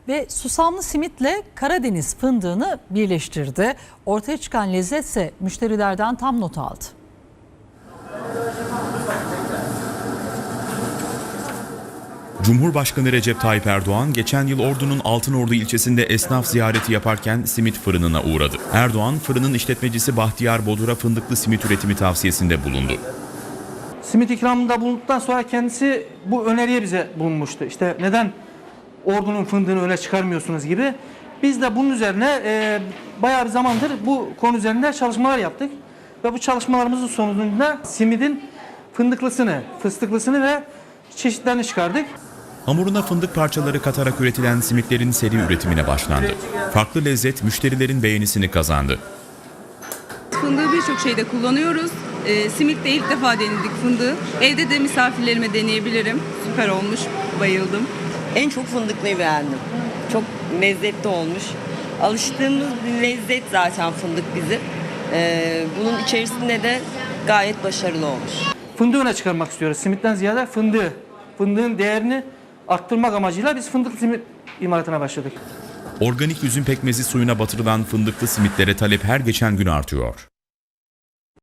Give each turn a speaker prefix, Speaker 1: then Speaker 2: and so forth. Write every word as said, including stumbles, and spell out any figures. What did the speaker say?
Speaker 1: ve susamlı simitle Karadeniz fındığını birleştirdi. Ortaya çıkan lezzetse müşterilerden tam not aldı.
Speaker 2: Cumhurbaşkanı Recep Tayyip Erdoğan geçen yıl Ordu'nun Altınordu ilçesinde esnaf ziyareti yaparken simit fırınına uğradı. Erdoğan, fırının işletmecisi Bahtiyar Bodur'a fındıklı simit üretimi tavsiyesinde bulundu.
Speaker 3: Simit ikramında bulunduktan sonra kendisi bu öneriye bize bulunmuştu. İşte neden Ordu'nun fındığını öne çıkarmıyorsunuz gibi. Biz de bunun üzerine e, bayağı bir zamandır bu konu üzerinde çalışmalar yaptık. Ve bu çalışmalarımızın sonucunda simidin fındıklısını, fıstıklısını ve çeşitlerini çıkardık.
Speaker 2: Hamuruna fındık parçaları katarak üretilen simitlerin seri üretimine başlandı. Farklı lezzet müşterilerin beğenisini kazandı.
Speaker 4: Fındığı birçok şeyde kullanıyoruz. E, simit de ilk defa denedik fındığı. Evde de misafirlerime deneyebilirim. Süper olmuş, bayıldım.
Speaker 5: En çok fındıklıyı beğendim. Çok lezzetli olmuş. Alıştığımız bir lezzet zaten fındık bizim. Ee, bunun içerisinde de gayet başarılı olmuş.
Speaker 3: Fındığı öne çıkarmak istiyoruz. Simitten ziyade fındığı, fındığın değerini arttırmak amacıyla biz fındıklı simit imalatına başladık.
Speaker 2: Organik üzüm pekmezi suyuna batırılan fındıklı simitlere talep her geçen gün artıyor.